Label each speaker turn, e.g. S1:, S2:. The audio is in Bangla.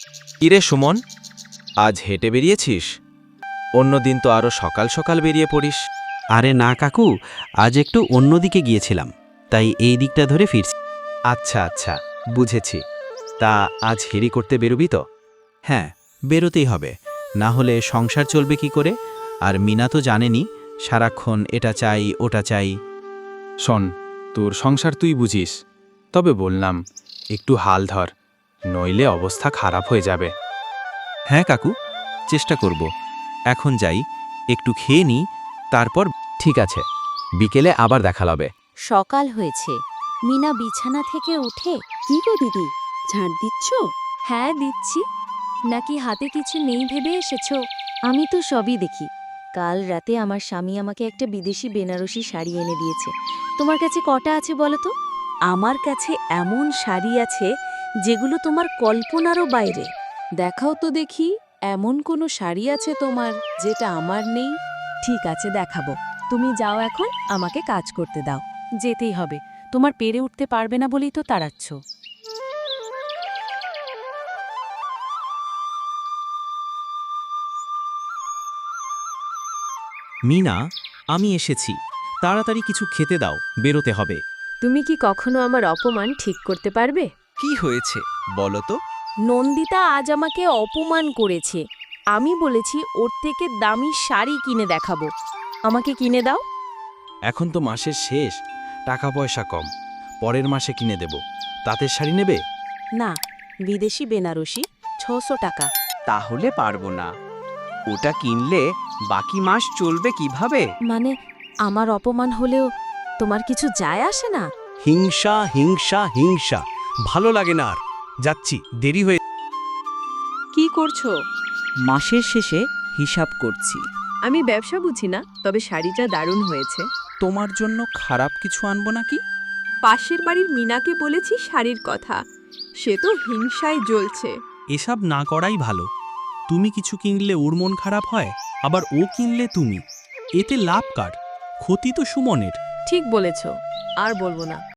S1: কিরে সুমন, আজ হেঁটে বেরিয়েছিস? অন্যদিন তো আরও সকাল সকাল বেরিয়ে পড়িস।
S2: আরে না কাকু, আজ একটু অন্যদিকে গিয়েছিলাম, তাই এই দিকটা ধরে ফিরছি।
S1: আচ্ছা আচ্ছা, বুঝেছি। তা আজ হেরি করতে বেরোবি তো?
S2: হ্যাঁ, বেরোতেই হবে, না হলে সংসার চলবে কি করে? আর মিনা তো জানেনি, সারাক্ষণ এটা চাই ওটা চাই।
S3: শোন, তোর সংসার তুই বুঝিস, তবে বললাম একটু হাল ধর, নইলে অবস্থা খারাপ হয়ে যাবে।
S2: হ্যাঁ কাকু, চেষ্টা করব। এখন যাই, একটু খেয়ে নিই, তারপর।
S1: ঠিক আছে, বিকেলে আবার দেখা হবে।
S4: সকাল হয়েছে। মিনা বিছানা থেকে উঠে,
S5: কি গো দিদি, ঝাড় দিচ্ছ?
S4: হ্যাঁ দিচ্ছি। নাকি হাতে কিছু নেই ভেবে এসেছো? আমি তো সবই দেখি। কাল রাতে আমার স্বামী আমাকে একটা বিদেশি বেনারসি শাড়ি এনে দিয়েছে। তোমার কাছে কটা আছে বলো তো?
S5: আমার কাছে এমন শাড়ি আছে যেগুলো তোমার কল্পনারও বাইরে। দেখাও তো দেখি, এমন কোনো শাড়ি আছে তোমার যেটা আমার নেই?
S4: ঠিক আছে, দেখাবো। তুমি যাও এখন, আমাকে কাজ করতে দাও। যেতেই হবে, তোমার পেরে উঠতে পারবে না বলেই তো তাড়াচ্ছ।
S2: মিনা, আমি এসেছি, তাড়াতাড়ি কিছু খেতে দাও, বেরোতে হবে।
S4: তুমি কি কখনো আমার অপমান ঠিক করতে পারবে?
S2: কি হয়েছে বলো তো?
S4: নন্দিতা আজ আমাকে অপমান করেছে। আমি বলেছি ওর থেকে দামি শাড়ি কিনে দেখাবো। আমাকে কিনে দাও।
S1: এখন তো মাসের শেষ, টাকা পয়সা কম। পরের মাসে কিনে দেব। তাঁতের শাড়ি নেবে?
S5: না, বিদেশি বেনারসি, 600 টাকা।
S6: তাহলে পারবো না। ওটা কিনলে বাকি মাস চলবে কিভাবে?
S4: মানে আমার অপমান হলেও তোমার কিছু যায় আসে না?
S7: হিংসা হিংসা হিংসা, ভালো লাগে না আর। যাচ্ছি, দেরি হয়ে।
S5: কি করছো?
S6: মাসের শেষে হিসাব করছি।
S5: আমি ব্যবসা বুঝি না, তবে শাড়িটা দারুণ হয়েছে।
S6: তোমার জন্য খারাপ কিছু আনবো নাকি?
S5: পাশের বাড়ির মিনাকে বলেছি শাড়ির কথা, সে তো হিংসায় জ্বলছে।
S7: এসব না করাই ভালো। তুমি কিছু কিনলে ওর মন খারাপ হয়, আবার ও কিনলে তুমি। এতে লাভ কার? ক্ষতি তো সুমনের।
S5: ঠিক বলেছ, আর বলবো না।